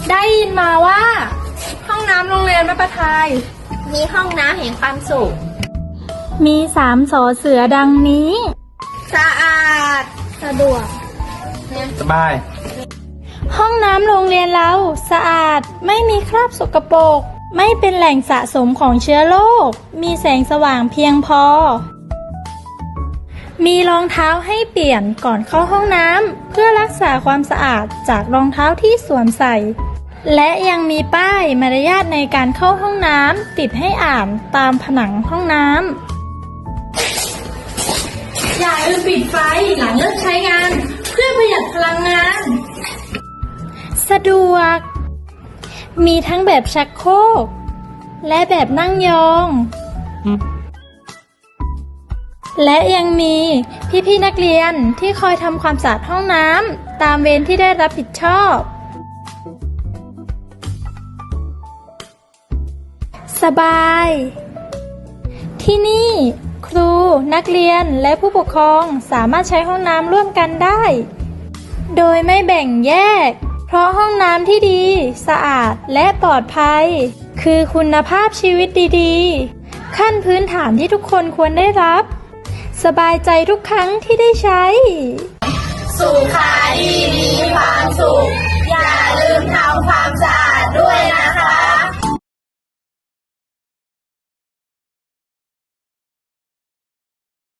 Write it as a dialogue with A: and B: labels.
A: ได้ยินมาว่าห้องน้ำโรงเรียนแม่ประทาย
B: มีห้องน้ำแห่งความสุข
C: มี3 สอเสือดังนี้
B: สะอาดสะดวก
D: สบาย
C: ห้องน้ำโรงเรียนเราสะอาดไม่มีคราบสกปรกไม่เป็นแหล่งสะสมของเชื้อโรคมีแสงสว่างเพียงพอมีรองเท้าให้เปลี่ยนก่อนเข้าห้องน้ำเพื่อรักษาความสะอาดจากรองเท้าที่สวมใส่และยังมีป้ายมารยาทในการเข้าห้องน้ำติดให้อ่านตามผนังห้องน้
A: ำอย่าลืมปิดไฟหลังเลิกใช้งานเพื่อประหยัดพลังงาน
C: สะดวกมีทั้งแบบชักโครกและแบบนั่งยองและยังมีพี่ๆนักเรียนที่คอยทำความสะอาดห้องน้ำตามเวรที่ได้รับผิดชอบสบายที่นี่ครูนักเรียนและผู้ปกครองสามารถใช้ห้องน้ำร่วมกันได้โดยไม่แบ่งแยกเพราะห้องน้ำที่ดีสะอาดและปลอดภัยคือคุณภาพชีวิตดีๆขั้นพื้นฐานที่ทุกคนควรได้รับสบายใจทุกครั้งที่ได้ใช้